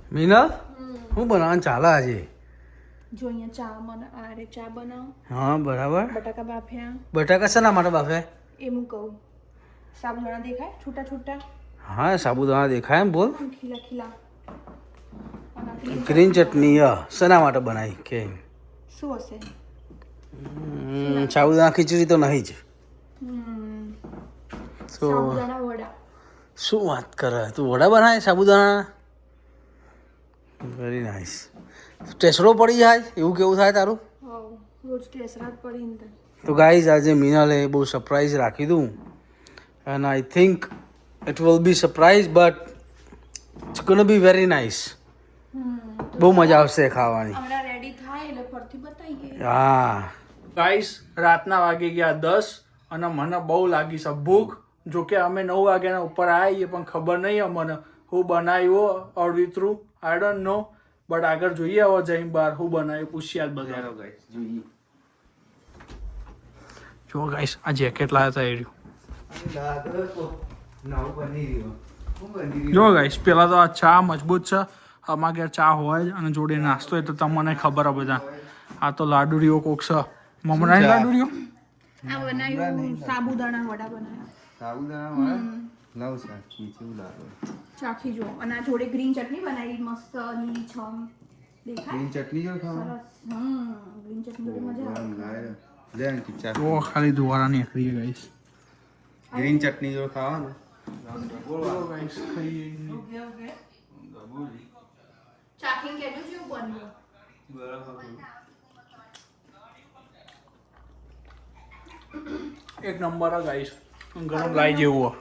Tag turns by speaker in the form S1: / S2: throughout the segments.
S1: મીના હું બનાવવાનું ચાલે આજે?
S2: જો અહીંયા ચા ચા બનાવ.
S1: હા બરાબર.
S2: બટાકા બાફ્યા.
S1: બટાકા શેના માટે બાફે?
S2: એ હું કહું. સાબુદાણા દેખાય છૂટા છૂટા?
S1: હા સાબુદાણા દેખાય એમ બોલ.
S2: ખીલા ખીલા.
S1: ગ્રીન ચટણી શેના માટે બનાવી કે
S2: શું હશે?
S1: સાબુદાણા ખીચડી તો નહીં જ.
S2: સાબુદાણા વડા.
S1: શું વાત કરે તું? વડા બનાવે સાબુદાણા? Very nice. ટેસરો પડી જાય એવું કેવું થાય તારું?
S2: રોજ ટેસરા પડી ને.
S1: તો ગાઈઝ આજે મીનાલે બહુ સરપ્રાઈઝ રાખી દઉં and I think it will be surprise but it's gonna be very nice. બહુ મજા આવશે ખાવાની.
S2: હમણાં રેડી થાય એટલે ફરથી બતાવીએ.
S1: હા
S3: ગાઈસ રાતના વાગી ગયા 10 અને મને બહુ લાગી છે ભૂખ. જોકે અમે 9 વાગ્યાના ઉપર આવીએ પણ ખબર નહીં અમને હું બનાવ્યો અડવિતરું આઈ ડોન્ટ નો બટ આગળ જોઈએ હવે જઈને બહાર હું બનાવ્યું પૂછ્યા જ બધા. જો ગાઈસ આ જેકેટ લાવ્યા હતા જો ગાઈસ પેલા તો આ ચા મજબૂત છે. અમારા ઘેર ચા હોય જ અને જોડે નાસ્તો હોય તો તમને ખબર હોય બધા. આ તો લાડુરીઓ કોક છે મમરાની લાડુરીઓ.
S2: આ બનાવ્યું સાબુદાણા વડા બનાવ્યા. ચાખી જો. અને આ જોડે ગ્રીન ચટણી બનાવી મસ્ત લીલીછમ દેખાય.
S4: ગ્રીન ચટણી જો ખાવા.
S2: ગ્રીન ચટણી જોડે મજા આવે.
S3: તો ખાલી દુવારા નીકળી ગાઈસ.
S4: ગ્રીન ચટણી જો ખાવા ને
S2: ચાખીને કહેજો કેવું બન્યું.
S3: એક નંબર ગાઈસ ગરમ લાઈ જેવું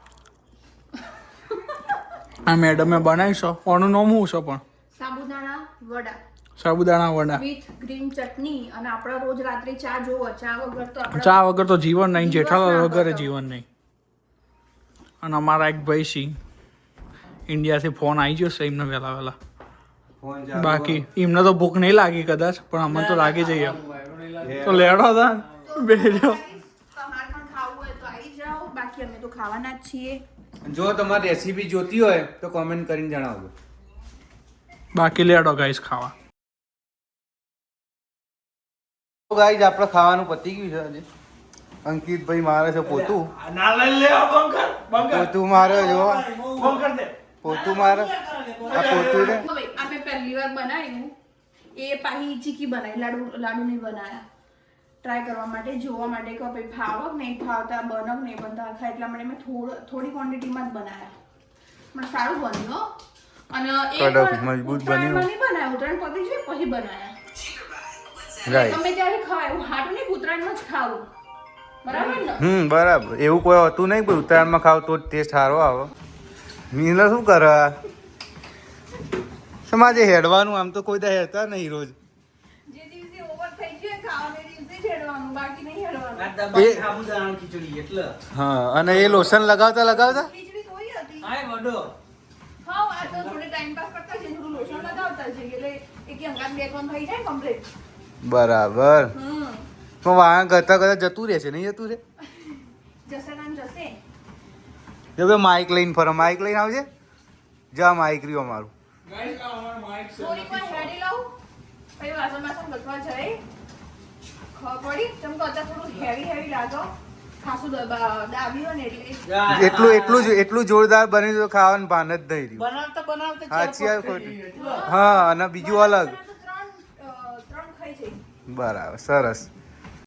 S3: આ મેડમે બનાવી છે. ઓનું નામ શું છે પણ?
S2: સાબુદાણા વડા
S3: સાબુદાણા વડા
S2: વિથ ગ્રીન ચટણી. અને આપણે રોજ રાત્રે ચા જોવો. ચા વગર તો આપણે
S3: ચા વગર તો જીવન નહીં. જેઠાલાલ વગર જીવન નહીં. અને અમારા એક ભાઈ સી ઇન્ડિયાથી ફોન આવી જશે એમને વહેલા વહેલા. બાકી એમને તો ભૂખ નહીં લાગી કદાચ પણ અમને તો લાગી જઈએ તો લેડો હતા બેજો.
S2: તમારે પણ ખાવું હોય તો આવી જાઓ. બાકી અમે તો ખાવાના જ છીએ.
S4: જો તમારે રેસીપી જોતી હોય તો કોમેન્ટ કરીને જણાવજો.
S3: બાકી લેડો ગાઈસ ખાવા.
S4: ગાઈસ આપણે ખાવાનું પતી ગયું છે આજે. અંકિતભાઈ મારે છે પોતું. પોતું મારે જો પોતું મારે આ પોતું ને
S2: હવે અમે પહેલી વાર બનાવ્યું. એ પાહી ચીકી બનાવી. લાડુ નહીં બનાવ્યા. ટ્રાય કરવા માટે જોવા માટે કે ભાઈ ફાવક નહીં ફાવતા બનક નહીં બનતા આખા એટલા માટે મેં થોડી ક્વોન્ટિટીમાં જ બનાવ્યા. પણ સારું બન્યું હો. અને
S4: કડક મજબૂત બન્યું.
S2: નહીં બનાવ્યા. ઉત્તરાયણ પતી છે પછી બનાવ્યા.
S4: રાઈટ.
S2: તમે ત્યારે ખવાય હું હાટું નહીં ઉત્તરાયણમાં જ ખાવું. બરાબર ને?
S4: બરાબર. એવું કોઈ હતું નહીં કોઈ ઉત્તરાયણમાં ખાવ તો જ ટેસ્ટ સારો આવે. મીના શું કરે? સમાજે હેડવાનું આમ તો કોઈ દા હેડતા નહીં રોજ.
S2: જે દિવસે ઓવર થઈ ગયું ખાવાને દિવસે જ હેડવાનું બાકી નહીં હેડવાનું.
S1: સાબુદાણા ખીચડી એટલે
S4: હા અને એ લોશન લગાવતા લગાવતા
S2: ખીચડી થોડી હતી.
S1: હાય વડો
S2: હા આ તો થોડે ટાઈમ પાસ કરતા છે. થોડું લોશન લગાવતા છે એટલે એક અંગાત બે કોણ થઈ જાય કમ્પ્લીટ.
S4: બરાબર. તો વાહન કરતા કરતા જતું રહેશે નહીં જતું રહે?
S2: જશે નામ જશે.
S4: જો ભાઈ માઇક લઈને ફરો. માઇક લઈને આવજે. જા માઇક રહ્યું અમારું.
S2: થોડીક વાર હેડી લઉં પછી વાસણ બાસણ ઘસવા જાય. ખબર પડી ચમ તો અત્યારે થોડું હેવી લાગો. ખાસું દાબી હોય ને એટલે
S4: એટલું જોરદાર બની તો ખાવાનું ભાન જ નહીં રહ્યું.
S1: બનાવતા
S4: સાચી વાત ખોટી? હા અને બીજું અલગ.
S2: ત્રણ ખાઈ જઈ.
S4: બરાબર સરસ.